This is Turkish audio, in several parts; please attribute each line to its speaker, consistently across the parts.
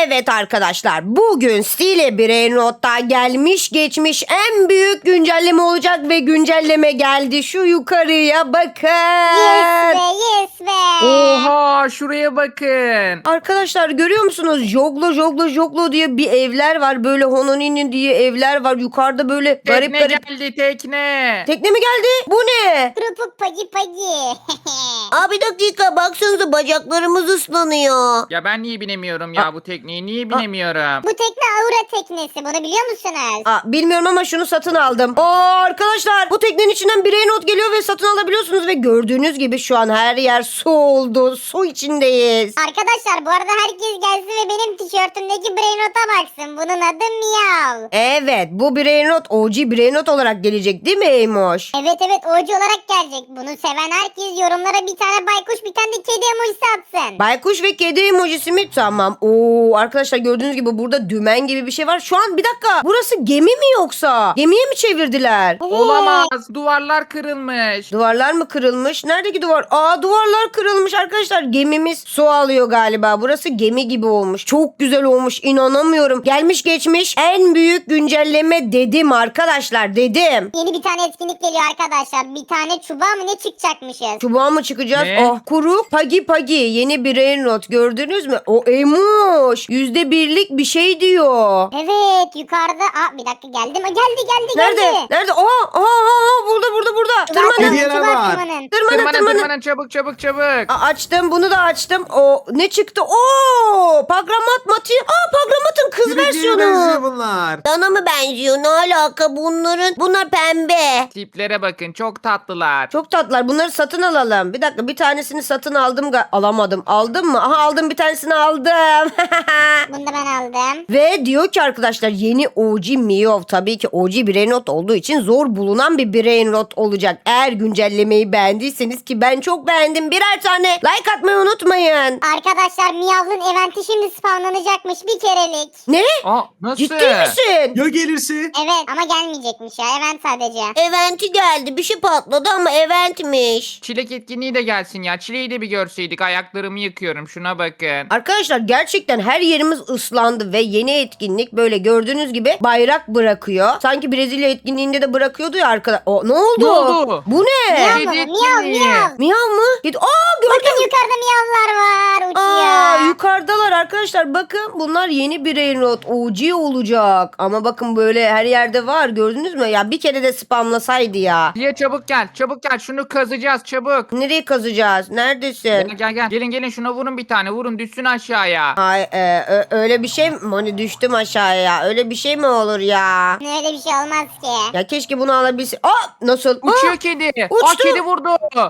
Speaker 1: Evet arkadaşlar, bugün Stile Brainrot'ta gelmiş geçmiş en büyük güncelleme olacak ve güncelleme geldi. Şu yukarıya bakın.
Speaker 2: Yes be, yes be.
Speaker 3: Oha şuraya bakın.
Speaker 1: Arkadaşlar görüyor musunuz? Joglo diye bir evler var. Böyle Hononini diye evler var. Yukarıda böyle garip
Speaker 3: Tekne
Speaker 1: garip.
Speaker 3: geldi tekne.
Speaker 1: Tekne mi geldi? Bu ne?
Speaker 2: Grupu pagi.
Speaker 1: Aa, bir dakika, baksanıza bacaklarımız ıslanıyor.
Speaker 3: Ya ben niye binemiyorum ya bu tekneye? Niye binemiyorum?
Speaker 2: Bu tekne Aura teknesi. Bunu biliyor musunuz?
Speaker 1: Aa, bilmiyorum ama şunu satın aldım. Arkadaşlar, bu teknenin içinden Brainrot geliyor ve satın alabiliyorsunuz ve gördüğünüz gibi şu an her yer su oldu. Su içindeyiz.
Speaker 2: Arkadaşlar bu arada herkes gelsin ve benim tişörtümdeki Brainrot'a baksın. Bunun adı Miyav.
Speaker 1: Evet, bu Brainrot OG Brainrot olarak gelecek değil mi Eymoş?
Speaker 2: Evet OC olarak gelecek. Bunu seven herkes yorumlara bir tane baykuş bir tane de kedi emojisi atsın.
Speaker 1: Baykuş ve kedi emojisi mi? Tamam. Arkadaşlar gördüğünüz gibi burada dümen gibi bir şey var. Şu an bir dakika. Burası gemi mi yoksa? Gemiye mi çevirdiler?
Speaker 2: Evet.
Speaker 3: Olamaz. Duvarlar kırılmış.
Speaker 1: Duvarlar mı kırılmış? Neredeki duvar? Duvarlar kırılmış arkadaşlar. Gemimiz su alıyor galiba. Burası gemi gibi olmuş. Çok güzel olmuş. İnanamıyorum. Gelmiş geçmiş en büyük güncelleme dedim arkadaşlar, dedim.
Speaker 2: Yeni bir tane etkinlik geliyor arkadaşlar. Bir tane çubuğa mı ne çıkacakmışız?
Speaker 1: Çubuğa mı çıkacağız?
Speaker 3: Ne?
Speaker 1: Kuru pagi yeni bir Brainrot gördünüz mü? O Eymuş. %1'lik bir şey diyor.
Speaker 2: Evet yukarıda. Bir dakika geldim. Geldi.
Speaker 1: Nerede? Nerede? Burada. Tırmanın.
Speaker 4: Hediyeler var.
Speaker 3: Tırmanın çabuk.
Speaker 1: Açtım, bunu da açtım. Ne çıktı? Pagramat Mati. Pagramat'ın kız
Speaker 4: Birbirine
Speaker 1: versiyonu.
Speaker 4: benziyor bunlar.
Speaker 1: Dana mı benziyor? Ne alaka bunlar pembe.
Speaker 3: Tiplere bakın çok tatlılar.
Speaker 1: Çok tatlılar. Bunları satın alalım. Bir dakika, bir tanesini satın aldım. Alamadım. Aldın mı? Aha, aldım, bir tanesini aldım.
Speaker 2: Bunu da ben aldım.
Speaker 1: Ve diyor ki arkadaşlar, yeni OG Miyov, tabii ki OG Brainrot olduğu için zor bulunan bir Brainrot olacak. Eğer güncellemeyi beğendiyseniz, ki ben çok beğendim, birer tane like atmayı unutmayın.
Speaker 2: Arkadaşlar Miyav'ın eventi şimdi spawnlanacakmış bir kerelik.
Speaker 1: Ne?
Speaker 3: Nasıl?
Speaker 1: Ciddi misin?
Speaker 4: Ya gelirse?
Speaker 2: Evet ama gelmeyecekmiş ya event sadece.
Speaker 1: Eventi geldi. Bir şey patladı ama eventmiş.
Speaker 3: Çilek etkinliği de gelsin ya. Çileği de bir görseydik. Ayaklarımı yıkıyorum. Şuna bakın.
Speaker 1: Arkadaşlar gerçekten her yerimiz ıslandı ve yeni etkinlik böyle gördüğünüz gibi bayrak bırakıyor. Sanki Brezilya etkinliğinde de bırakıyordu ya arkadaşlar. Ne oldu?
Speaker 3: Ne oldu?
Speaker 1: Bu ne?
Speaker 2: Miyav
Speaker 3: Kedi
Speaker 2: mı?
Speaker 3: etkinliği.
Speaker 2: Miyav.
Speaker 1: Miyav mı? Gördüm.
Speaker 2: Bakın yukarıda miyavlar var uçuyor.
Speaker 1: Yukarıdalar arkadaşlar, bakın bunlar yeni bir Brainrot OG olacak. Ama bakın böyle her yerde var, gördünüz mü? Ya bir kere de spamlasaydı ya.
Speaker 3: Diye çabuk gel. Şunu kazacağız çabuk.
Speaker 1: Nereye kazacağız? Neredesin?
Speaker 3: Gel. Gelin şuna vurun bir tane. Vurun düşsün aşağıya.
Speaker 1: Ay, öyle bir şey mi? Hani düştüm aşağıya. Öyle bir şey mi olur ya?
Speaker 2: Öyle bir şey olmaz ki.
Speaker 1: Ya keşke bunu alabilse. Nasıl?
Speaker 3: Uçuyor kedi.
Speaker 1: uçtu.
Speaker 3: Kedi vurdu.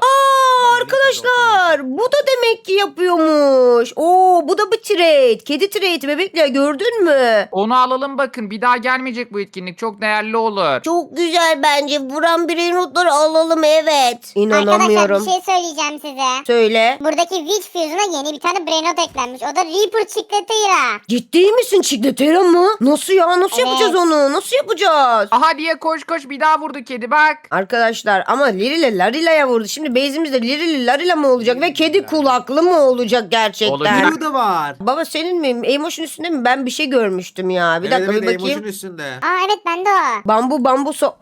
Speaker 1: Arkadaşlar, bu da demek ki yapıyormuş. Bu da bir trade. Kedi trade bebekle, gördün mü?
Speaker 3: Onu alalım bakın. Bir daha gelmeyecek bu etkinlik. Çok değerli olur.
Speaker 1: Çok güzel bence. Vuran Brainrot'ları alalım, evet. İnanamıyorum.
Speaker 2: Arkadaşlar bir şey söyleyeceğim size.
Speaker 1: Söyle.
Speaker 2: Buradaki Witch Fuse'una yeni bir tane Brainrot eklenmiş. O da Reaper Chicletera.
Speaker 1: Ciddi misin Chicletera mı? Nasıl ya? Nasıl
Speaker 2: Evet.
Speaker 1: yapacağız onu? Nasıl yapacağız?
Speaker 3: Aha diye koş bir daha vurdu kedi bak.
Speaker 1: Arkadaşlar ama Lirile Larila'ya vurdu. Şimdi base'imizde Lirile Larila mı olacak ve kedi kulaklı mı olacak gerçekten?
Speaker 3: Olacak.
Speaker 4: Blue da var.
Speaker 1: Baba, senin mi? Emotion üstünde mi? Ben bir şey görmüştüm ya. Bir dakika, bir bakayım.
Speaker 4: Emotion üstünde.
Speaker 2: Evet bende o.
Speaker 1: Bambu.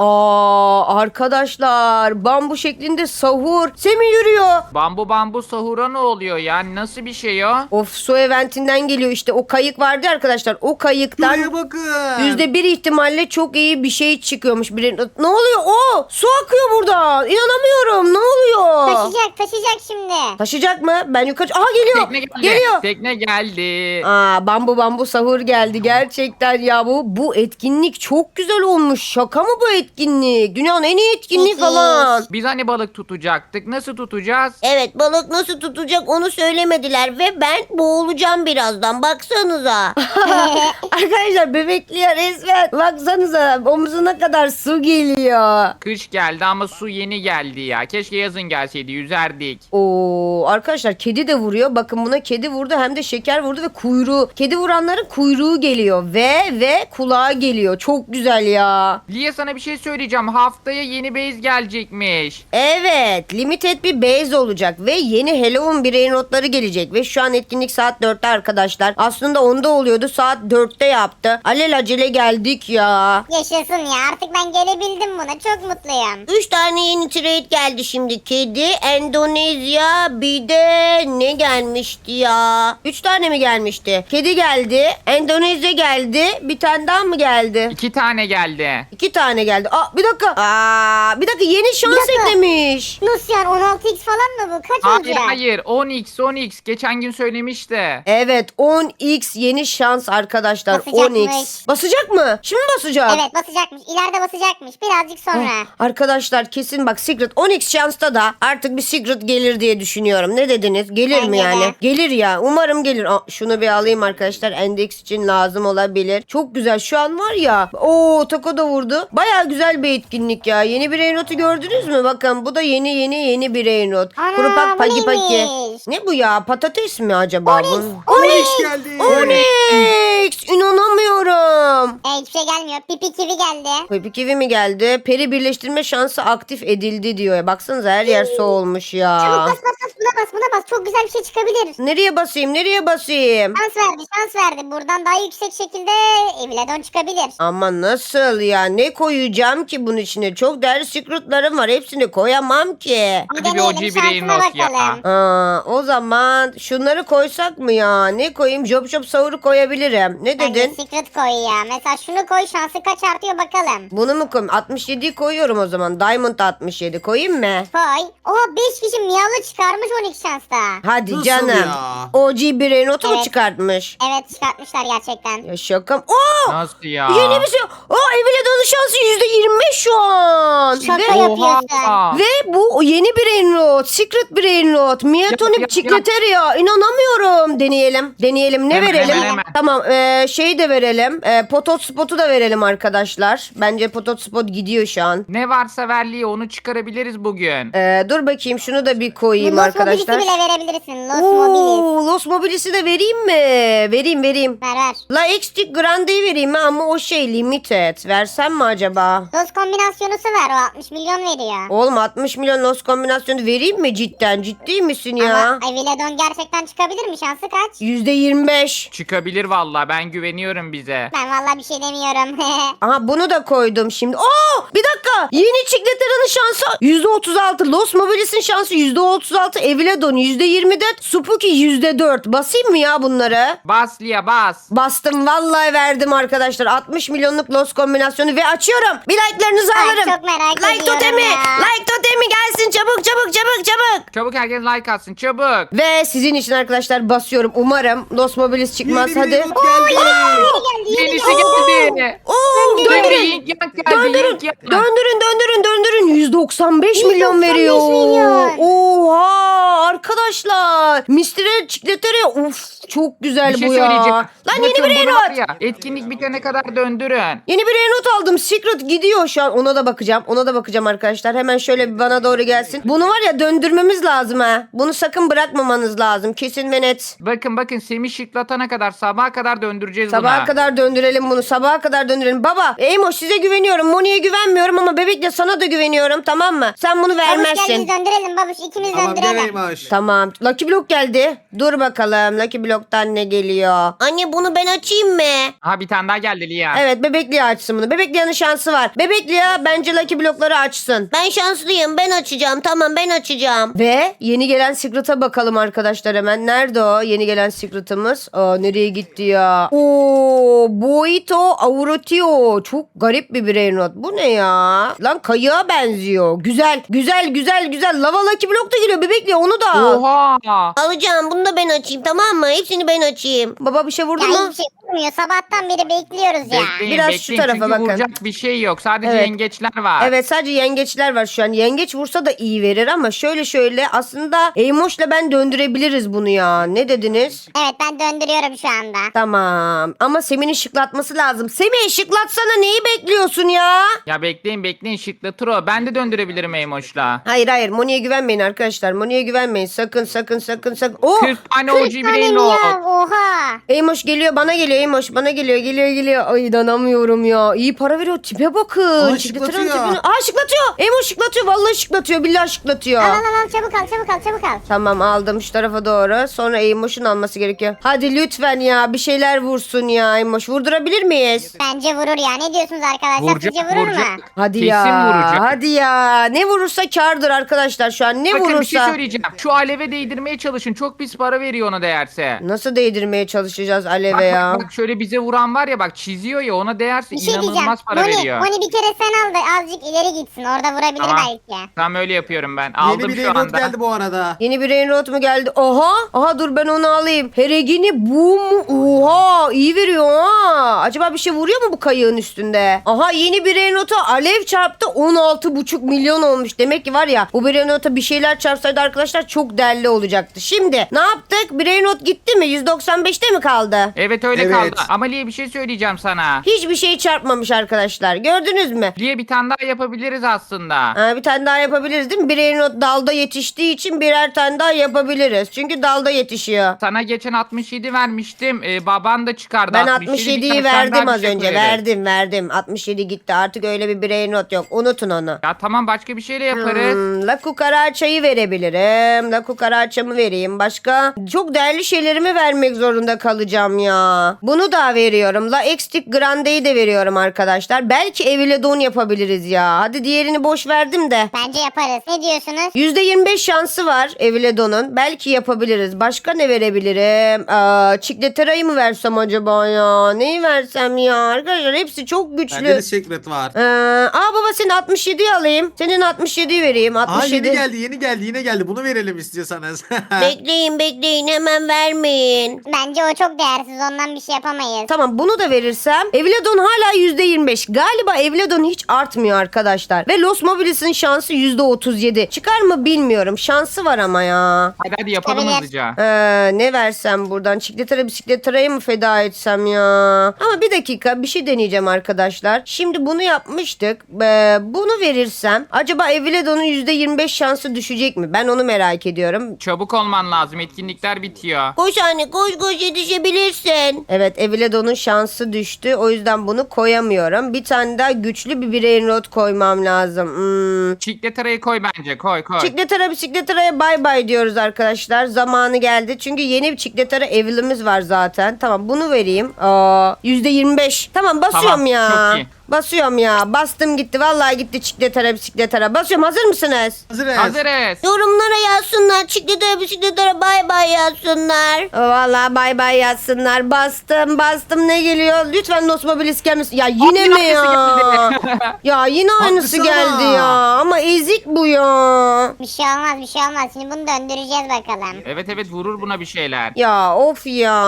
Speaker 1: Arkadaşlar, bambu şeklinde sahur. Semi yürüyor.
Speaker 3: Bambu sahura ne oluyor ya? Nasıl bir şey o?
Speaker 1: Of, su eventinden geliyor işte. O kayık vardı ya arkadaşlar. O kayıktan
Speaker 4: Şuraya bakın.
Speaker 1: %1 ihtimalle çok iyi bir şey çıkıyormuş. Ne oluyor? Su akıyor buradan. İnanamıyorum. Ne oluyor?
Speaker 2: Taşıyacak şimdi.
Speaker 1: Taşıyacak mı? Ben yukarı... Aha, geliyor.
Speaker 3: Tekne geldi.
Speaker 1: Geliyor.
Speaker 3: Tekne geldi.
Speaker 1: Bambu sahur geldi. Gerçekten ya, bu etkinlik çok güzel olmuş. Şaka mı bu etkinlik? Dünyanın en iyi etkinliği
Speaker 2: Müthiş.
Speaker 1: falan.
Speaker 3: Biz hani balık tutacaktık. Nasıl tutacağız?
Speaker 1: Evet, balık nasıl tutacak onu söylemediler ve ben boğulacağım birazdan, baksanıza. Arkadaşlar, bebekliyor resmen. Baksanıza, omzuna kadar su geliyor.
Speaker 3: Kış geldi ama su yeni geldi ya. Keşke yazın gelseydi yüzerdik.
Speaker 1: Arkadaşlar, kedi de vuruyor. Bakın, buna kedi vurdu, hem de şeker vurdu ve kuyruğu. Kedi vuranların kuyruğu geliyor ve kulağı geliyor. Çok güzel ya.
Speaker 3: Liye sana bir şey söyleyeceğim. Haftaya yeni base gelecekmiş.
Speaker 1: Evet, limited bir base olacak ve yeni Halloween Brainrot'ları gelecek ve şu an etkinlik saat 4'te arkadaşlar. Aslında anda 10'da oluyordu. Saat 4'te yaptı. Alelacele geldik ya.
Speaker 2: Yaşasın ya, artık ben gelebildim buna, çok mutluyum.
Speaker 1: 3 tane yeni trade geldi şimdi. Kedi, Endonezya, bir de ne gelmişti ya? 3 tane mi gelmişti? Kedi geldi, Endonezya geldi. Bir tane daha mı geldi?
Speaker 3: 2 tane geldi.
Speaker 1: 2 tane geldi. Aa, bir dakika. Bir dakika, yeni şans
Speaker 2: Bir dakika.
Speaker 1: eklemiş.
Speaker 2: Nasıl yani, 16x falan mı bu? Kaç
Speaker 3: Hayır
Speaker 2: olacak?
Speaker 3: hayır 10x geçen gün söylemişti.
Speaker 1: Evet, 10x yeni şans arkadaşlar.
Speaker 2: Basacakmış.
Speaker 1: 10x. Basacak mı? Şimdi basacak.
Speaker 2: Evet, basacakmış. İleride basacakmış. Birazcık sonra.
Speaker 1: Arkadaşlar kesin bak, Secret 10x şansta da artık bir Secret gelir diye düşünüyorum. Ne dediniz? Gelir mi
Speaker 2: Bence
Speaker 1: yani?
Speaker 2: de.
Speaker 1: Gelir ya. Umarım gelir. Şunu bir alayım arkadaşlar. Endeks için lazım olabilir. Çok güzel. Şu an var ya. Tako da vurdu. Baya güzel bir etkinlik ya. Yeni bir Reynot'u gördünüz mü? Bakın bu da yeni bir Reynot.
Speaker 2: Ana,
Speaker 1: Kurupak
Speaker 2: bu
Speaker 1: paki paki.
Speaker 2: neymiş?
Speaker 1: Ne bu ya? Patates mi acaba? bu?
Speaker 4: Onyx geldi.
Speaker 1: Onyx! İnanamıyorum.
Speaker 2: Hiçbir şey gelmiyor. Pipi kivi geldi.
Speaker 1: Pepi kivi mi geldi? Peri birleştirme şansı aktif edildi diyor. Baksanıza her yer su olmuş
Speaker 2: Çabuk
Speaker 1: ya.
Speaker 2: bas bas bas, buna bas buna bas. Çok güzel bir şey çıkabilir.
Speaker 1: Nereye basayım? Nereye basayım?
Speaker 2: Şans verdi. Buradan daha yüksek şekilde Evledon çıkabilir.
Speaker 1: Ama nasıl ya? Ne koyacağım ki bunun içine? Çok değerli secretlarım var. Hepsini koyamam ki.
Speaker 2: Bir
Speaker 3: Hadi bir
Speaker 2: deneyelim,
Speaker 3: OG bir
Speaker 2: şansına
Speaker 3: Reynolds ya.
Speaker 2: bakalım.
Speaker 1: O zaman şunları koysak mı ya? Ne koyayım? Job Job Sahur'u koyabilirim. Ne
Speaker 2: Bence
Speaker 1: dedin?
Speaker 2: secret koy ya. Mesela şunu koy, şansı kaç artıyor bakalım.
Speaker 1: Bunu mu koyayım? 67'yi koyuyorum o zaman. Diamond 67 koyayım mı?
Speaker 2: Koy. Oha, 5 kişi miyalı çıkarmış 12 şansta.
Speaker 1: Hadi
Speaker 4: Nasıl
Speaker 1: canım.
Speaker 4: ya?
Speaker 1: OG bir Reynot'u mu
Speaker 2: Evet.
Speaker 1: çıkartmış?
Speaker 2: Evet, çıkartmışlar gerçekten.
Speaker 1: Ya şakam. Oo!
Speaker 3: Nasıl ya?
Speaker 1: Yeni bir şey. Evledon'un şansı %25 şu an.
Speaker 2: Şaka
Speaker 1: Ve,
Speaker 2: yapıyorsun.
Speaker 1: ve bu yeni bir Reynot. Secret bir Reynot. Miatonip
Speaker 3: Yap.
Speaker 1: Chicleteria. İnanamıyorum. Deneyelim. Ne
Speaker 3: Hemen,
Speaker 1: verelim?
Speaker 3: hemen.
Speaker 1: Tamam. Şeyi de verelim. Potot Spot'u da verelim arkadaşlar. Bence Potot Spot gidiyor şu an.
Speaker 3: Ne varsa verliği onu çıkarabiliriz bugün.
Speaker 1: Dur bakayım, şunu da bir koyayım
Speaker 2: Los
Speaker 1: arkadaşlar.
Speaker 2: Mobilis'i bile verebilirsin. Los Mobilis.
Speaker 1: Los Mobilis'i de vereyim mi? Vereyim.
Speaker 2: Ver.
Speaker 1: La Extic Grande'yi vereyim mi? Ama o şey limited. Versem mi acaba?
Speaker 2: Los kombinasyonusu ver, o 60 milyon veriyor.
Speaker 1: Oğlum 60 milyon Los kombinasyonu vereyim mi cidden? Ciddi misin ya?
Speaker 2: Ama Evledon gerçekten çıkabilir mi? Şansı kaç?
Speaker 1: %25.
Speaker 3: Çıkabilir valla ben güveniyorum bize.
Speaker 2: Ben vallahi bir şey demiyorum.
Speaker 1: Aha, bunu da koydum şimdi. Bir dakika. Yeni Chicletera'nın şansı %36. Los Mobilis'in şansı %36. Evledon %24. Spooky %4. Basayım mı ya bunları?
Speaker 3: Bas Lia bas.
Speaker 1: Bastım, vallahi verdim arkadaşlar. 60 milyonluk Los kombinasyonu ve açıyorum. Bir like'larınızı
Speaker 2: Ay,
Speaker 1: alırım.
Speaker 2: çok merak
Speaker 1: Like
Speaker 2: ediyorum
Speaker 1: totemi.
Speaker 2: ya.
Speaker 1: Like totemi gelsin. Çabuk.
Speaker 3: Çabuk herkes like atsın çabuk.
Speaker 1: Ve sizin için arkadaşlar basıyorum. Umarım Los Mobilis çıkmaz.
Speaker 4: Yeni bir
Speaker 1: Hadi.
Speaker 4: Reynot geldi.
Speaker 3: Yenisi geldi.
Speaker 1: Döndürün.
Speaker 3: Yink yank geldi. Yink yank.
Speaker 1: Döndürün. 195 milyon
Speaker 2: 195
Speaker 1: veriyor.
Speaker 2: milyon.
Speaker 1: Oha arkadaşlar. Mr. Chicleteria. Uf, çok güzel
Speaker 3: Bir şey
Speaker 1: bu ya.
Speaker 3: söyleyeceğim.
Speaker 1: Lan
Speaker 3: Bakın
Speaker 1: yeni bir
Speaker 3: bunu
Speaker 1: Reynot.
Speaker 3: var ya, etkinlik bitene kadar döndürün.
Speaker 1: Yeni bir Reynot aldım. Secret gidiyor şu an. Ona da bakacağım arkadaşlar. Hemen şöyle bir bana doğru gelsin. Bunu var ya, döndürmemiz lazım ha. Bunu sakın bırakmamanız lazım. Kesin ve net.
Speaker 3: Bakın Semih şıklatana kadar sabaha kadar döndüreceğiz
Speaker 1: Sabaha
Speaker 3: buna.
Speaker 1: kadar döndürelim bunu. Sabaha kadar döndürelim. Baba, Eymoş size güveniyorum. Moni'ye güvenmiyorum ama Bebek'le sana da güveniyorum, tamam mı? Sen bunu
Speaker 2: Babuş gel, biz
Speaker 1: vermezsin.
Speaker 2: döndürelim babuş. İkimiz
Speaker 4: Tamam
Speaker 2: döndürelim.
Speaker 4: geleymiş.
Speaker 1: Tamam. Lucky Block geldi. Dur bakalım. Lucky Block'tan ne geliyor? Anne, bunu ben açayım mı?
Speaker 3: Ha bir tane daha geldi Lia.
Speaker 1: Evet, Bebekli'ye açsın bunu. Bebekli'nin şansı var. Bebekli'ye bence Lucky Block'ları açsın. Ben şanslıyım. Ben açacağım. Tamam, ben açacağım. Ve yeni gelen Secret'a bakalım arkadaşlar hemen. Nerede o yeni gelen Secret'ımız? Nereye gitti ya? Boito Aurotio. Çok garip bir birey not. Bu ne ya? Lan kayığa benziyor. Güzel. Lava Lucky Block da geliyor. Bebekli onu da al.
Speaker 3: Oha.
Speaker 1: Alacağım. Bunu da ben açayım, tamam mı? Hepsini ben açayım. Baba bir şey vurdu
Speaker 2: Ya
Speaker 1: mu?
Speaker 2: hiçbir şey olmuyor. Sabahtan beri bekliyoruz ya.
Speaker 3: Bekleyin
Speaker 1: Biraz
Speaker 3: bekleyin
Speaker 1: şu tarafa
Speaker 3: çünkü
Speaker 1: bakın.
Speaker 3: vuracak bir şey yok. Sadece
Speaker 1: Evet.
Speaker 3: yengeçler var.
Speaker 1: Evet, sadece yengeçler var şu an. Yengeç vursa da iyi verir ama şöyle aslında Eymoş'la ben döndürebiliriz bunu ya. Ne dediniz?
Speaker 2: Evet, ben döndürüyorum şu anda.
Speaker 1: Tamam. Ama Semih'in şıklatması lazım. Semih, şıklatsana, neyi bekliyorsun ya?
Speaker 3: Ya bekleyin şıklatır o. Ben de döndürebilirim Eymoş'la.
Speaker 1: Hayır. Moni'ye güvenmeyin arkadaşlar. Moni'ye güvenmeyin. Sakın. Oo!
Speaker 3: 40 tane OG
Speaker 2: 40 tane
Speaker 3: bireyin
Speaker 2: miyav ya oha.
Speaker 1: Eymoş geliyor, bana geliyor. Eymoş bana geliyor. Geliyor. Ay inanamıyorum ya. İyi para veriyor. Tipe bakın.
Speaker 4: Aa,
Speaker 1: Çikleteranın
Speaker 4: şıklatıyor.
Speaker 1: tipini. Aa şıklatıyor. Eymoş şıklatıyor. Vallahi şıklatıyor. Billahi şıklatıyor.
Speaker 2: Al çabuk al.
Speaker 1: Tamam aldım şu tarafa doğru. Sonra Eymoş'un alması gerekiyor. Hadi lütfen ya bir şeyler vursun ya Eymoş. Vurdurabilir miyiz?
Speaker 2: Bence vurur ya. Ne diyorsunuz arkadaşlar?
Speaker 3: Vuracak,
Speaker 2: Sizce vurur mu?
Speaker 3: vuracak.
Speaker 1: Hadi
Speaker 3: Kesin
Speaker 1: ya.
Speaker 3: vuracak.
Speaker 1: Hadi ya. Ne vurursa kârdır arkadaşlar şu an. Ne
Speaker 3: Bakın
Speaker 1: vurursa.
Speaker 3: bir şey söyleyeceğim. Şu aleve değdirmeye çalışın. Çok pis para veriyor ona değerse.
Speaker 1: Nasıl değdirmeye çalışacağız
Speaker 3: Bak,
Speaker 1: aleve
Speaker 3: bak,
Speaker 1: ya?
Speaker 3: bak şöyle bize vuran var ya bak çiziyor ya ona değerse
Speaker 2: Bir şey diyeceğim.
Speaker 3: inanılmaz para veriyor.
Speaker 2: Moni bir kere sen al da azıcık ileri gitsin. Orada vurabilir
Speaker 3: Tamam.
Speaker 2: belki.
Speaker 3: Tam öyle yapıyorum ben.
Speaker 4: Yeni
Speaker 3: Aldım
Speaker 4: bir
Speaker 3: şu
Speaker 4: remote
Speaker 3: anda.
Speaker 4: geldi bu arada.
Speaker 1: Yeni bir Rainrot mu geldi? Aha dur ben onu alayım. Heregini bu mu? Oha iyi veriyor ha. Acaba bir şey vuruyor mu bu kayığın üstünde? Aha yeni bir Rainrot'a alev çarptı 16,5 milyon olmuş. Demek ki var ya bu bir Rainrot'a bir şeyler çarpsaydı arkadaşlar çok değerli olacaktı. Şimdi ne yaptık? Bir Rainrot gitti mi? 195'te mi kaldı?
Speaker 3: Evet öyle
Speaker 4: Evet.
Speaker 3: kaldı. Ama Liye bir şey söyleyeceğim sana.
Speaker 1: Hiçbir şey çarpmamış arkadaşlar. Gördünüz mü?
Speaker 3: Liye bir tane daha yapabiliriz aslında.
Speaker 1: Bir tane daha yapabiliriz değil mi? Bir Rainrot dalda yetiştiği için birer tane daha yapabiliriz. Çünkü dalda yetişiyor.
Speaker 3: Sana geçen 67 vermiştim. Baban da çıkardı.
Speaker 1: Ben
Speaker 3: 67, bir
Speaker 1: 67'yi
Speaker 3: tane sen
Speaker 1: verdim
Speaker 3: daha
Speaker 1: az
Speaker 3: bir şey
Speaker 1: önce.
Speaker 3: koyarız.
Speaker 1: Verdim. 67 gitti. Artık öyle bir birey not yok. Unutun onu.
Speaker 3: Ya tamam başka bir şeyle yaparız.
Speaker 1: La Cucaracha'yı verebilirim. La Cucaracha'mı vereyim. Başka çok değerli şeylerimi vermek zorunda kalacağım ya. Bunu da veriyorum. La Extic Grande'yi de veriyorum arkadaşlar. Belki Eviledon yapabiliriz ya. Hadi diğerini boş verdim de.
Speaker 2: Bence yaparız. Ne diyorsunuz?
Speaker 1: %25 şansı var Eviledon'un. Belki yapabiliriz. Başka ne verebilirim? Çikletera'yı mı versem acaba ya? Neyi versem ya? Arkadaşlar hepsi çok
Speaker 4: Bende
Speaker 1: güçlü.
Speaker 4: de secret var.
Speaker 1: Baba senin 67'yi alayım. Senin 67'yi vereyim.
Speaker 4: Aa
Speaker 1: 67.
Speaker 4: yeni geldi yine geldi. Bunu verelim istiyorsanız.
Speaker 1: Bekleyin hemen vermeyin.
Speaker 2: Bence o çok değersiz. Ondan bir şey yapamayız.
Speaker 1: Tamam bunu da verirsem Eviledon hala %25. Galiba Eviledon hiç artmıyor arkadaşlar. Ve Los Mobilis'in şansı %37. Çıkar mı bilmiyorum. Şansı var ama ya.
Speaker 3: Hadi yapalım
Speaker 2: Çıkabilir.
Speaker 3: hızlıca.
Speaker 1: Ne versem buradan? Bisikletera'yı mı feda etsem ya? Ama bir dakika bir şey deneyeceğim arkadaşlar. Şimdi bunu yapmıştık. Bunu verirsem acaba Eviledon'un %25 şansı düşecek mi? Ben onu merak ediyorum.
Speaker 3: Çabuk olman lazım. Etkinlikler bitiyor.
Speaker 1: Koş anne koş yetişebilirsin. Evet Eviledon'un şansı düştü. O yüzden bunu koyamıyorum. Bir tane daha güçlü bir brain rot koymam lazım.
Speaker 3: Çikleterayı koy bence. Koy.
Speaker 1: Bisikletera'ya bay bay diyoruz arkadaşlar. Zamanı geldi. Çünkü yeni bir Çikletera Evil'imiz var zaten. Tamam bunu vereyim. %25. Tamam basıyorum
Speaker 3: Tamam,
Speaker 1: ya.
Speaker 3: çok iyi.
Speaker 1: Basıyorum ya. Bastım gitti. Vallahi gitti bisikletera. Basıyorum. Hazır mısınız?
Speaker 3: Hazırız.
Speaker 1: Yorumlara yazsınlar. Bisikletera bay bay yazsınlar. Vallahi bay bay yazsınlar. Bastım. Ne geliyor? Lütfen Los Mobilis gelmesin. Ya yine
Speaker 3: Yine
Speaker 1: mi ya?
Speaker 3: aynısı geldi.
Speaker 1: Ya yine aynısı
Speaker 4: Haklısın
Speaker 1: geldi
Speaker 4: ama.
Speaker 1: ya. Ama ezik bu ya.
Speaker 2: Bir şey olmaz. Şimdi bunu döndüreceğiz bakalım.
Speaker 3: Evet vurur buna bir şeyler.
Speaker 1: Ya of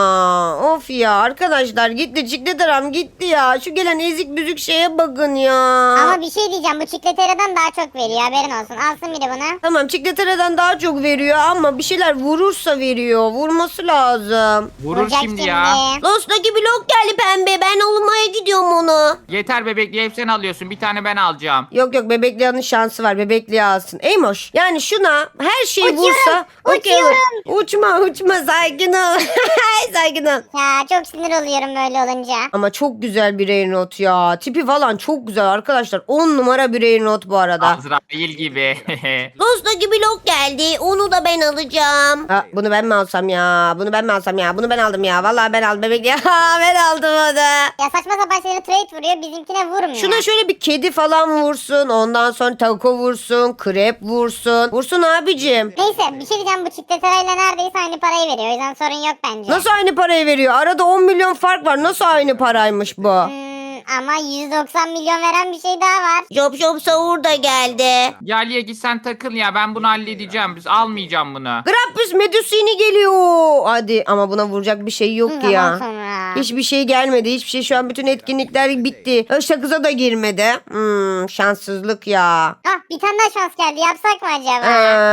Speaker 1: ya arkadaşlar gitti Çikleteram gitti ya şu gelen ezik büzük şeye bakın ya.
Speaker 2: Ama bir şey diyeceğim. Bu çikletereden daha çok veriyor. Haberin olsun. Alsın biri bunu.
Speaker 1: Tamam Çikletera'dan daha çok veriyor ama bir şeyler vurursa veriyor vurması lazım.
Speaker 3: Vurur
Speaker 2: Vuracak
Speaker 3: şimdi ya.
Speaker 1: Lost'taki blok geldi pembe ben almaya gidiyorum onu.
Speaker 3: Yeter bebekli hep sen alıyorsun. Bir tane ben alacağım.
Speaker 1: Yok Bebekliğa'nın şansı var Bebekliğa alsın. Eymoş yani şuna her şey
Speaker 2: Uçuyorum,
Speaker 1: vursa okey olur.
Speaker 2: uçuyorum.
Speaker 1: Uçma sakin ol. Sakin ol.
Speaker 2: Ya çok sinir oluyorum böyle olunca.
Speaker 1: Ama çok güzel bir Rainrot ya. Tipi falan çok güzel arkadaşlar. 10 numara bir Rainrot bu arada.
Speaker 3: Azrail gibi.
Speaker 1: Dostaki blok geldi. Onu da ben alacağım. Bunu ben mi alsam ya? Bunu ben aldım ya. Vallahi ben aldım bebek ya. Ben aldım onu.
Speaker 2: Ya saçma sapan şeyleri trade vuruyor. Bizimkine vurmuyor.
Speaker 1: Şuna şöyle bir kedi falan vursun. Ondan sonra taco vursun. Krep vursun. Vursun abicim.
Speaker 2: Neyse bir şey diyeceğim. Bu çikleterayla neredeyse aynı parayı veriyor. O yüzden sorun yok bence.
Speaker 1: Nasıl aynı parayı veriyor? Arada 10 milyon fark var. Nasıl aynı paraymış bu?
Speaker 2: Ama 190 milyon veren bir şey daha var.
Speaker 1: Job Savur da geldi.
Speaker 3: Ya Liye git sen takıl ya. Ben bunu halledeceğim. Biz almayacağım bunu.
Speaker 1: Grappus Medusini geliyor. Hadi ama buna vuracak bir şey yok ki
Speaker 2: Zaman
Speaker 1: ya.
Speaker 2: sonra. ya.
Speaker 1: Hiçbir şey gelmedi. Hiçbir şey, şu an bütün etkinlikler bitti. Sakıza da girmedi. Şanssızlık ya.
Speaker 2: Ah, bir tane daha şans geldi. Yapsak mı acaba?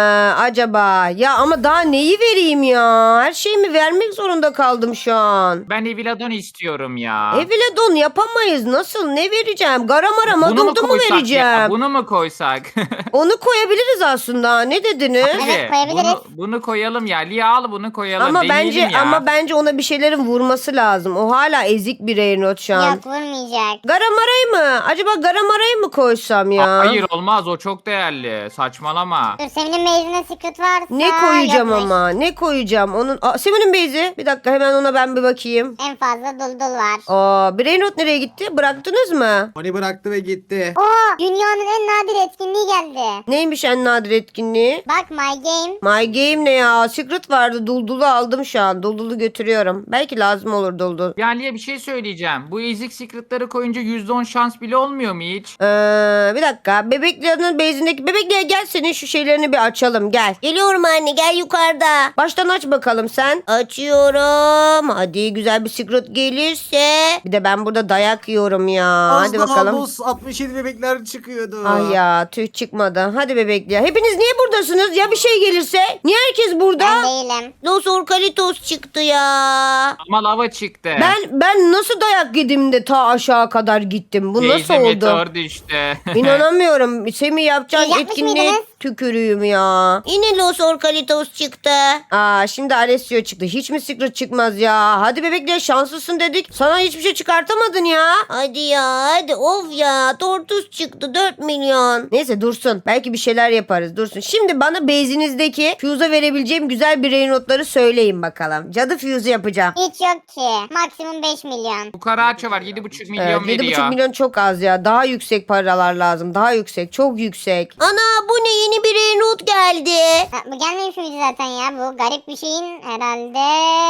Speaker 1: Acaba ya, ama daha neyi vereyim ya? Her şeyimi vermek zorunda kaldım şu an.
Speaker 3: Ben Eviladon istiyorum ya.
Speaker 1: Eviledon yapamayız. Nasıl? Ne vereceğim? Garamara
Speaker 3: Bunu mu
Speaker 1: Madoldu mu
Speaker 3: koysak
Speaker 1: vereceğim?
Speaker 3: ya? Bunu mu koysak?
Speaker 1: Onu koyabiliriz aslında. Ne dediniz?
Speaker 2: Evet, koyabiliriz.
Speaker 3: Bunu koyalım ya. Lia al bunu koyalım.
Speaker 1: Ama
Speaker 3: Deneyelim
Speaker 1: bence
Speaker 3: ya.
Speaker 1: bence ona bir şeylerin vurması lazım. O hala ezik bir Reynot şu an.
Speaker 2: Yok, vurmayacak.
Speaker 1: Garamara'yı mı? Acaba Garamara'yı mı koysam ya?
Speaker 3: Hayır olmaz, o çok değerli. Saçmalama.
Speaker 2: Dur, senin meyzine secret varsa.
Speaker 1: Ne koyacağım
Speaker 2: yokmuş.
Speaker 1: ama? Ne koyacağım? Onun Seven'in base'i. Bir dakika, hemen ona ben bir bakayım.
Speaker 2: En fazla duldul var.
Speaker 1: Brainrot nereye gitti? Bıraktınız mı?
Speaker 4: Oni bıraktı ve gitti.
Speaker 2: Oo, dünyanın en nadir etkinliği geldi.
Speaker 1: Neymiş en nadir etkinliği?
Speaker 2: Bak, my game.
Speaker 1: My Game ne ya? Secret vardı. Duldulu aldım şu an. Duldulu götürüyorum. Belki lazım olur Duldul.
Speaker 3: Ya Lia, bir şey söyleyeceğim. Bu ezik secretları koyunca %10 şans bile olmuyor mu hiç?
Speaker 1: Bir dakika. Bebeklerin base'indeki Bebekliğe gel, senin şu şeylerini bir açalım. Gel. Geliyorum anne, gel yukarıda. Baştan aç bakalım sen. Açıyorum. Hadi güzel bir secret gelirse. Bir de ben burada dayak yiyorum ya.
Speaker 4: Az
Speaker 1: Hadi
Speaker 4: daha
Speaker 1: bakalım.
Speaker 4: boss 67 bebekler çıkıyordu.
Speaker 1: Ay ya, tüh çıkmadı. Hadi bebekliğe. Hepiniz niye buradasınız? Ya bir şey gelirse? Niye herkes burada?
Speaker 2: Ben değilim.
Speaker 1: Los Orkalitos çıktı ya.
Speaker 3: Ama lava çıktı.
Speaker 1: Ben nasıl dayak yedim de ta aşağı kadar gittim. Bu nasıl
Speaker 3: Teyze
Speaker 1: oldu?
Speaker 3: meteor düştü.
Speaker 1: İnanamıyorum. Semih yapacağın
Speaker 2: Siz yapmış
Speaker 1: etkinliğe
Speaker 2: mıydınız?
Speaker 1: tükürüğüm ya. Yine Los Orkalitos çıktı. Şimdi Alessio çıktı. Hiç mi Secret çıkmaz ya? Hadi bebekler, şanslısın dedik. Sana hiçbir şey çıkartamadın ya. Hadi ya, hadi of ya. Tortus çıktı 4 milyon. Neyse dursun. Belki bir şeyler yaparız. Dursun. Şimdi bana base'inizdeki fuse'a verebileceğim güzel bir notları söyleyin bakalım. Cadı fuse'u yapacağım.
Speaker 2: Hiç yok ki. Maksimum 5 milyon.
Speaker 3: Bu karaağaça var, 7,5 milyon
Speaker 1: Evet, 7,5
Speaker 3: veriyor.
Speaker 1: milyon çok az ya. Daha yüksek paralar lazım. Daha yüksek. Çok yüksek. Ana, bu ne? Yeni bir Reynot geldi.
Speaker 2: Ha, bu gelmemiş miydi zaten ya? Bu garip bir şeyin herhalde.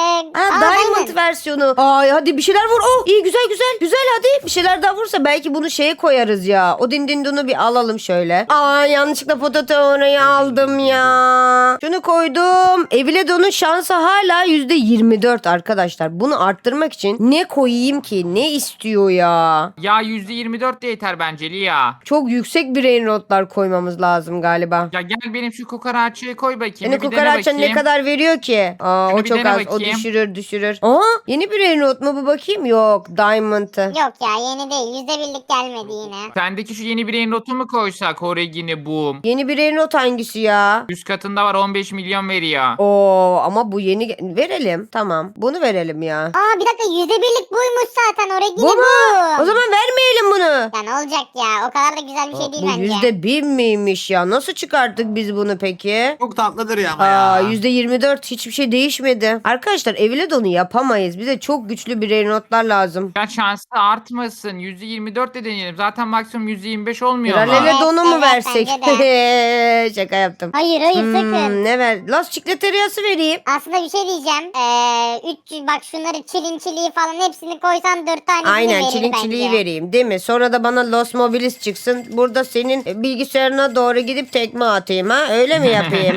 Speaker 1: Diamond versiyonu. Ay hadi bir şeyler vur. Oh iyi, güzel güzel. Güzel, hadi. Bir şeyler daha vursa belki bunu şeye koyarız ya. O dindindunu bir alalım şöyle. Yanlışlıkla potato orayı aldım ya. Şunu koydum. Eviledon'un şansı hala %24 arkadaşlar. Bunu arttırmak için ne koyayım ki? Ne istiyor ya?
Speaker 3: Ya %24 de yeter bence Lia.
Speaker 1: Çok yüksek bir Reynotlar koymamız lazım galiba.
Speaker 3: Ya gel benim şu kokaraçayı koy bakayım.
Speaker 1: Yani
Speaker 3: bir dene
Speaker 1: kukaraca'nın ne
Speaker 3: bakayım.
Speaker 1: kadar veriyor ki?
Speaker 3: Şunu
Speaker 1: O
Speaker 3: bir
Speaker 1: çok
Speaker 3: dene
Speaker 1: az.
Speaker 3: bakayım.
Speaker 1: O düşürür. Yeni bir Reynot mu bu, bakayım? Yok. Diamond'ı.
Speaker 2: Yok ya, yeni değil. %1'lik gelmedi yine.
Speaker 3: Sendeki şu yeni bir notu mu koysak? Horegini boom.
Speaker 1: Yeni bir Reynot hangisi ya?
Speaker 3: Üst katında var, 15 milyon veriyor.
Speaker 1: Ama bu yeni verelim. Tamam. Bunu verelim ya.
Speaker 2: Bir dakika, %1'lik buymuş zaten. Oraya
Speaker 1: Bu mu? O zaman vermeyelim bunu.
Speaker 2: Ya ne olacak ya? O kadar da güzel bir şey değil
Speaker 1: Bu
Speaker 2: bence.
Speaker 1: %1 miymiş ya? Nasıl çıkarttık biz bunu peki?
Speaker 4: Çok tatlıdır ya ama ya.
Speaker 1: %24, hiçbir şey değişmedi. Arkadaşlar Eviledon'u yapamayız. Bize çok güçlü bir Reynotlar lazım.
Speaker 3: Ya şansı artmasın. %24 de deneyelim. Zaten maksimum %25 olmuyor
Speaker 1: Kral
Speaker 3: mu?
Speaker 1: Eviledon'u mu
Speaker 2: Evet,
Speaker 1: versek?
Speaker 2: bence
Speaker 1: Şaka yaptım.
Speaker 2: Hayır sakın.
Speaker 1: Ne ver? Las Çikleteriası vereyim.
Speaker 2: Aslında bir şey diyeceğim. 300 bak, şunları çiliği falan hepsini koysan 4 tanesini
Speaker 1: Aynen,
Speaker 2: verir
Speaker 1: çiliği
Speaker 2: bence.
Speaker 1: vereyim değil mi? Sonra da bana Los Mobilis çıksın. Burada senin bilgisayarına doğru gidip tekme atayım ha? Öyle mi yapayım?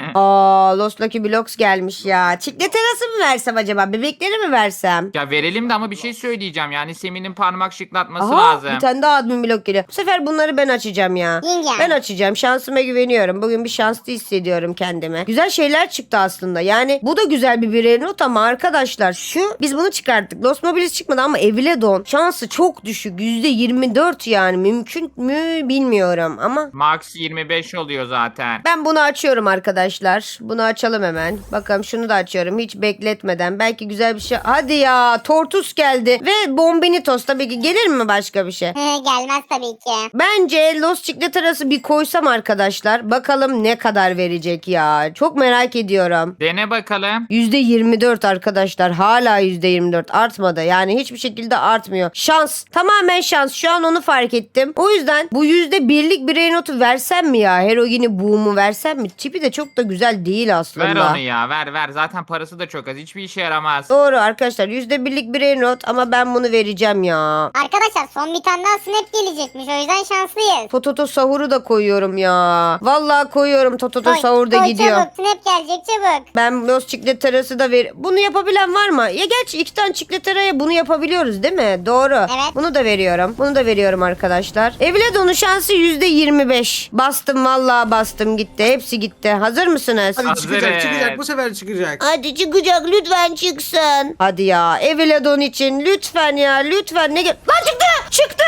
Speaker 1: Los Lucky Blocks gelmiş ya. Çikleterası mı versem acaba? Bebekleri mi versem?
Speaker 3: Ya verelim de ama bir şey söyleyeceğim. Yani Semin'in parmak şıklatması lazım.
Speaker 1: Bir tane daha admin blok geliyor. Bu sefer bunları ben açacağım ya.
Speaker 2: Yenge.
Speaker 1: Ben açacağım. Şansıma güveniyorum. Bugün bir şanslı hissediyorum kendime. Güzel şeyler çıktı aslında. Yani bu da güzel bir birer not ama arkadaşlar biz bunu çıkarttık. Los Mobilis çıkmadı ama Eviledon şansı çok düşük. %24 yani. Mümkün mü bilmiyorum ama
Speaker 3: Max 25 oluyor zaten.
Speaker 1: ben bunu açıyorum arkadaşlar. Bunu açalım hemen. Bakalım, şunu da açıyorum. Hiç bekletmeden. Belki güzel bir şey. Hadi ya. Tortus geldi. Ve Bombinitos tabii ki. Gelir mi başka bir şey?
Speaker 2: Gelmez tabii ki.
Speaker 1: Bence Los Chicleteras'ı bir koysam arkadaşlar. Bakalım ne kadar verecek ya. Çok merak ediyorum.
Speaker 3: Dene bakalım.
Speaker 1: %24 arkadaşlar. Hala %24 artmadı. Yani hiçbir şekilde artmıyor. Şans. Tamamen şans. Şu an onu fark ettim. O yüzden bu %1'lik bir notu versem mi ya? Erogen'i Boom'u versem mi? Tipi de çok da güzel değil aslında.
Speaker 3: Ver onu ya ver. Zaten parası da çok az. Hiçbir işe yaramaz.
Speaker 1: Doğru arkadaşlar. %1'lik brain rot ama ben bunu vereceğim ya.
Speaker 2: Arkadaşlar son bir tane daha snap gelecekmiş. O yüzden şanslıyız.
Speaker 1: Tototo sahuru da koyuyorum ya. Vallahi koyuyorum. Tototo
Speaker 2: Koy,
Speaker 1: sahur da
Speaker 2: koy
Speaker 1: gidiyor.
Speaker 2: Çabuk snap gelecek çabuk.
Speaker 1: Ben Los Chicletera'sı da ver. Bunu yapabilen var mı? Ya gerçi 2 tane Chicletera'ya bunu yapabiliyoruz değil mi? Doğru.
Speaker 2: Evet.
Speaker 1: Bunu da veriyorum. Bunu da veriyorum arkadaşlar. Evlado'nun şansı %25. Bastım vallahi bastım gitti. Hepsi gitti. Hazır mısınız?
Speaker 4: Hadi
Speaker 3: Hazırız.
Speaker 4: çıkacak bu sefer çıkacak.
Speaker 1: Hadi çıkacak lütfen çıksın. Hadi ya Evladon için lütfen ya lütfen. Lan çıktı! Çıktı!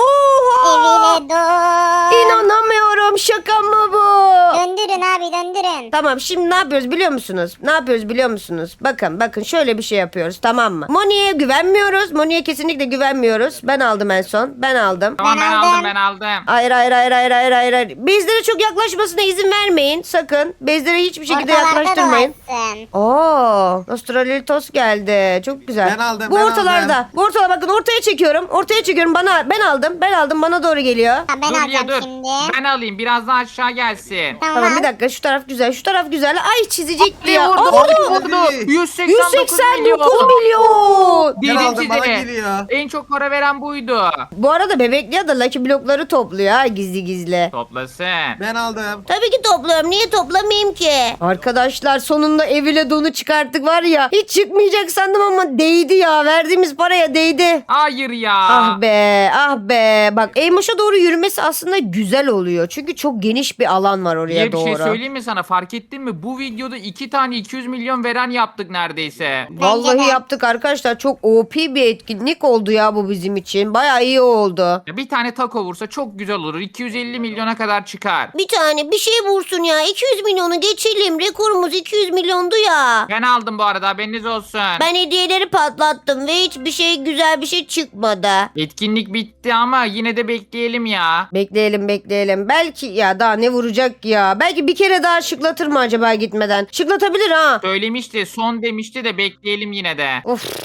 Speaker 1: Oha!
Speaker 2: Evine doğ.
Speaker 1: İnanamıyorum şaka mı bu?
Speaker 2: Döndürün abi döndürün.
Speaker 1: Tamam şimdi ne yapıyoruz biliyor musunuz? Ne yapıyoruz biliyor musunuz? Bakın şöyle bir şey yapıyoruz tamam mı? Moni'ye güvenmiyoruz. Moni'ye kesinlikle güvenmiyoruz. Ben aldım en son. Ben aldım.
Speaker 3: Tamam
Speaker 2: Ben
Speaker 3: ben
Speaker 2: aldım.
Speaker 3: aldım.
Speaker 1: Hayır. Bezlere çok yaklaşmasına izin vermeyin. Sakın. Bezlere hiçbir şekilde
Speaker 2: Ortalarda
Speaker 1: yaklaştırmayın.
Speaker 2: da varsın.
Speaker 1: Oo, Nostralitos geldi. Çok güzel.
Speaker 4: Ben aldım,
Speaker 1: Bu
Speaker 4: ben
Speaker 1: ortalarda.
Speaker 4: aldım.
Speaker 1: Bu ortalar bakın ortaya çekiyorum. Ortaya çekiyorum. Ben aldım. Bana doğru geliyor.
Speaker 2: Ha, ben
Speaker 3: Dur
Speaker 2: alacağım
Speaker 3: dur.
Speaker 2: şimdi.
Speaker 3: Ben alayım biraz daha aşağı gelsin.
Speaker 1: Tamam bir dakika şu taraf güzel. Şu taraf güzel. Ay çizecekti ya.
Speaker 3: Vurdu,
Speaker 1: Aa,
Speaker 3: vurdu.
Speaker 4: Hadi.
Speaker 3: 189 milyon.
Speaker 1: 189 milyon.
Speaker 4: Ben
Speaker 3: Dedim
Speaker 4: aldım bana
Speaker 3: size.
Speaker 4: geliyor.
Speaker 3: En çok para veren buydu.
Speaker 1: Bu arada bebekliğe de Lucky blokları topluyor ha gizli.
Speaker 3: Toplasın.
Speaker 4: Ben aldım.
Speaker 1: Tabii ki topluyorum. Niye toplamayayım ki? Arkadaşlar sonunda evile donu çıkarttık var ya. Hiç çıkmayacak sandım ama değdi ya. Verdiğimiz paraya değdi.
Speaker 3: Hayır ya.
Speaker 1: Ah be. Bak Eymoş'a doğru yürümesi aslında güzel oluyor. Çünkü çok geniş bir alan var oraya
Speaker 3: Diye bir
Speaker 1: doğru.
Speaker 3: şey söyleyeyim mi sana? Fark ettin mi? Bu videoda 2 tane 200 milyon veren yaptık neredeyse.
Speaker 1: Vallahi
Speaker 2: Bence de.
Speaker 1: yaptık arkadaşlar. Çok OP bir etkinlik oldu ya bu bizim için. Bayağı iyi oldu.
Speaker 3: Ya bir tane taco vursa çok güzel olur. 250 milyona kadar çıkar.
Speaker 1: Bir tane bir şey vursun ya. 200 milyonu geçelim. Rekorumuz 200 milyondu ya.
Speaker 3: Ben aldım bu arada haberiniz olsun.
Speaker 1: Ben hediyeleri patlattım ve hiçbir şey güzel bir şey çıkmadı.
Speaker 3: Etkinlik bitti ama yine de bekleyelim ya.
Speaker 1: Bekleyelim. Belki ya daha ne vuracak ya. Belki bir kere daha şıklatır mı acaba gitmeden? Şıklatabilir ha.
Speaker 3: Söylemişti son demişti de bekleyelim yine de.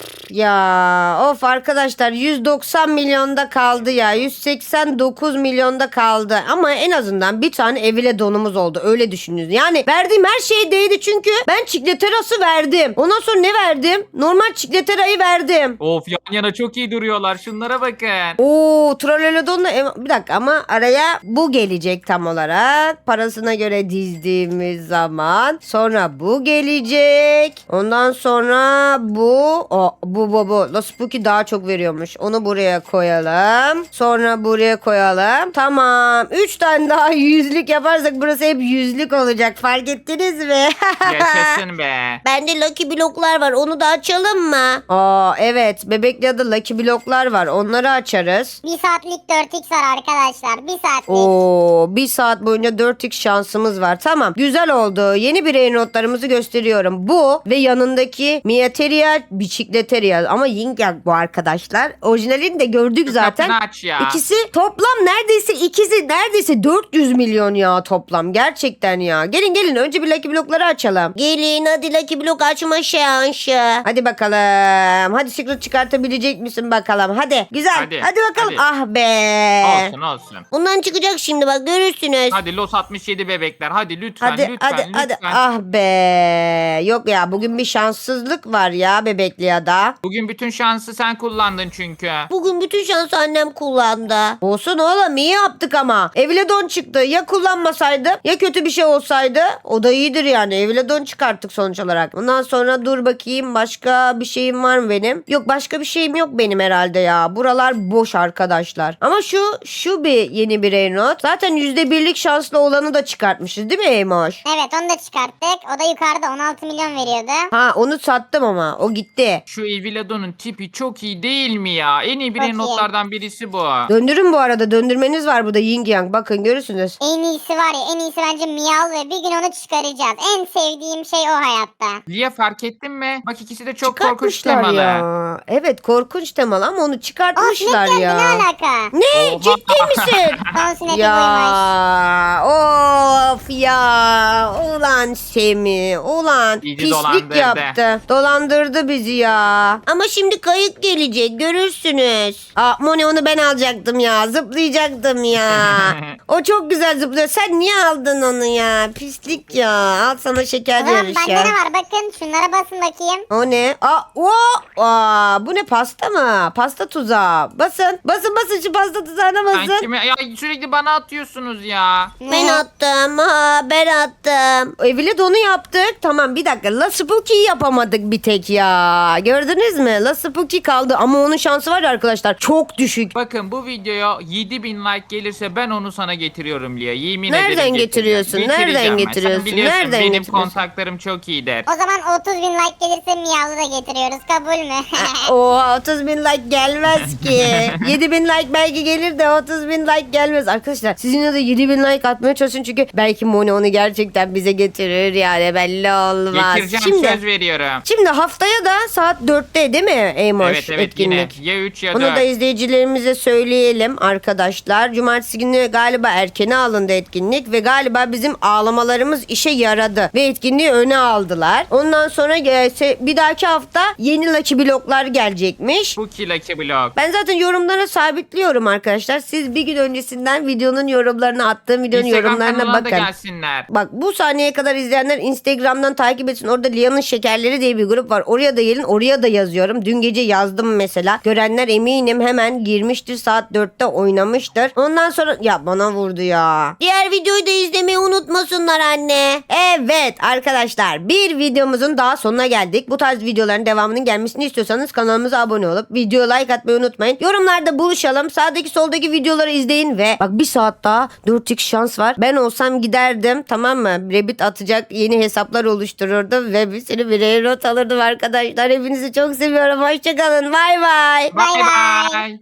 Speaker 1: Of arkadaşlar 190 milyonda kaldı ya. 189 milyonda kaldı. Ama en azından bir tane evile donumuz oldu. Öyle düşünün. Yani verdiğim her şey değdi çünkü ben çikleterası verdim. Ondan sonra ne verdim? Normal çikleterayı verdim.
Speaker 3: Of yan yana çok iyi duruyorlar. Şunlara bakın.
Speaker 1: Oo Trolelodon'la bir dakika ama araya bu gelecek tam olarak. Parasına göre dizdiğimiz zaman. Sonra bu gelecek. Ondan sonra bu. Bu. Los Spooky daha çok veriyormuş. Onu buraya koyalım. Sonra buraya koyalım. Tamam. 3 tane daha yüzlük yaparsak burası hep yüzlük olacak. Fark ettiniz mi?
Speaker 3: Yaşasın be.
Speaker 1: Bende Lucky bloklar var. Onu da açalım mı? Evet. Bebekli adı Lucky bloklar var. Onları açarız.
Speaker 2: 1 saatlik 4x var arkadaşlar. 1 saatlik.
Speaker 1: Bir saat boyunca 4x şansımız var. Tamam. Güzel oldu. Yeni birey notlarımızı gösteriyorum. Bu ve yanındaki Miateria Biçikleteria. Ama Yin Yang bu arkadaşlar. Orijinalini de gördük zaten.
Speaker 3: Kapını aç ya.
Speaker 1: İkisi toplam neredeyse 400 milyon ya toplam. Gerçekten ya. Gelin önce bir Lucky blokları açalım. Gelin hadi Lucky blok açma şansı. Hadi bakalım. Hadi secret çıkartabilecek misin bakalım. Hadi. Güzel. Hadi bakalım.
Speaker 3: hadi.
Speaker 1: Ah be.
Speaker 3: Olsun.
Speaker 1: Bundan çıkacak şimdi bak görürsünüz.
Speaker 3: Hadi Los 67 bebekler. Hadi lütfen
Speaker 1: Hadi.
Speaker 3: lütfen.
Speaker 1: Ah be. Yok ya bugün bir şanssızlık var ya bebekli ya da.
Speaker 3: Bugün bütün şansı sen kullandın çünkü.
Speaker 1: Bugün bütün şansı annem kullandı. Olsun oğlum iyi yaptık ama. Evledon çıktı. Ya kullanmasaydı ya kötü bir şey olsaydı o da iyidir yani. Evledon çıkarttık sonuç olarak. Ondan sonra dur bakayım başka bir şeyim var mı benim? Yok başka bir şeyim yok benim herhalde ya. Buralar boş arkadaşlar. Ama şu bir yeni birey not. Zaten %1'lik şanslı olanı da çıkartmışız değil mi Eymoş?
Speaker 2: Evet onu da çıkarttık. O da yukarıda 16 milyon veriyordu.
Speaker 1: Ha onu sattım ama o gitti.
Speaker 3: Şu Evilado'nun tipi çok iyi değil mi ya? En iyi
Speaker 2: Çok iyi.
Speaker 3: notlardan birisi bu.
Speaker 1: Döndürün bu arada döndürmeniz var burada Yin Yang. Bakın görürsünüz.
Speaker 2: En iyisi var ya en iyisi bence Miyav ve bir gün onu çıkaracağız. En sevdiğim şey o hayatta.
Speaker 3: Lia fark ettin mi? Bak ikisi de çok korkunç
Speaker 1: Çıkartmışlar
Speaker 3: temalı.
Speaker 1: ya. Evet korkunç temalı ama onu
Speaker 2: O
Speaker 1: çıkartmışlar
Speaker 2: snap geldi
Speaker 1: ya.
Speaker 2: ne alaka?
Speaker 1: Ne?
Speaker 3: Oha.
Speaker 1: Ciddi misin?
Speaker 2: Son snap'i buymuş.
Speaker 1: Ya of ya ulan Semi ulan
Speaker 3: Bizi
Speaker 1: pislik
Speaker 3: dolandırdı.
Speaker 1: yaptı dolandırdı bizi ya Ama şimdi kayık gelecek görürsünüz. Aa Moni onu ben alacaktım ya. Zıplayacaktım ya. O çok güzel zıplıyor. Sen niye aldın onu ya? Pislik ya. Al sana şeker
Speaker 2: O zaman
Speaker 1: yarışı.
Speaker 2: bende ne var bakın şunlara basın bakayım.
Speaker 1: O ne? Bu ne pasta mı? Pasta tuzağı. Basın. Basın şu pasta tuzağına
Speaker 3: Ben
Speaker 1: basın.
Speaker 3: kime? Ya sürekli bana atıyorsunuz ya.
Speaker 1: Ben attım. Ha ben attım. Evile de onu yaptık. Tamam bir dakika. La Spooky'yi yapamadık bir tek ya. Gördünüz mü? La Spooky kaldı. Ama onun şansı var ya arkadaşlar. Çok düşük.
Speaker 3: Bakın bu videoya 7000 like gelirse ben onu sana getiriyorum Lia. Yemin
Speaker 1: Nereden
Speaker 3: ederim
Speaker 1: getiriyorsun?
Speaker 3: getireceğim.
Speaker 1: Nereden
Speaker 3: Getireceğim ben.
Speaker 1: getiriyorsun?
Speaker 3: Sen biliyorsun
Speaker 1: Nereden
Speaker 3: benim
Speaker 1: getiriyorsun?
Speaker 3: kontaklarım çok iyidir.
Speaker 2: O zaman 30 bin like gelirse Miyav'ı da getiriyoruz kabul mü?
Speaker 1: Oha 30 bin like gelmez ki. 7 bin like belki gelir de 30 bin like gelmez. Arkadaşlar sizin de 7 bin like atmaya çalışın çünkü belki Moni onu gerçekten bize getirir yani belli olmaz.
Speaker 3: Getireceğim söz veriyorum.
Speaker 1: Şimdi haftaya da saat 4'te değil mi Eymoş
Speaker 3: Evet
Speaker 1: etkinlik?
Speaker 3: yine. Ya 3 ya
Speaker 1: Bunu
Speaker 3: 4.
Speaker 1: da izleyicilerimize söyleyelim arkadaşlar. Cumartesi günü galiba erkene alındı etkinlik ve galiba bizim ağlamalarımız işe yaradı. Ve etkinliği öne aldılar. Ondan sonra bir dahaki hafta yeni Lucky Block'lar gelecekmiş.
Speaker 3: Bu Lucky Block.
Speaker 1: Ben zaten yorumlara sabitliyorum arkadaşlar. Siz bir gün öncesinden videonun yorumlarına attığım videonun
Speaker 3: Instagram
Speaker 1: yorumlarına
Speaker 3: kanalına da
Speaker 1: bakın.
Speaker 3: gelsinler.
Speaker 1: Bak bu saniyeye kadar izleyenler Instagram'dan takip etsin. Orada Lia'nın Şekerleri diye bir grup var. Oraya da gelin. Oraya da yazıyorum. Dün gece yazdım mesela. Görenler eminim hemen girmiştir. Saat 4'te oynamıştır. Ondan sonra ya bana vurdu ya. Diğer videoyu da izlemeyi unutmasınlar anne. Evet arkadaşlar bir videomuzun daha sonuna geldik. Bu tarz videoların devamının gelmesini istiyorsanız kanalımıza abone olup video like atmayı unutmayın. Yorumlarda buluşalım. Sağdaki soldaki videoları izleyin ve bak bir saat daha 4x şans var. Ben olsam giderdim tamam mı? Rabbit atacak yeni hesaplar oluştururdum ve bir sürü birey not alırdım arkadaşlar. Hepinizi çok seviyorum. Hoşçakalın. Bay bay.
Speaker 2: Bay bay.
Speaker 3: Bye.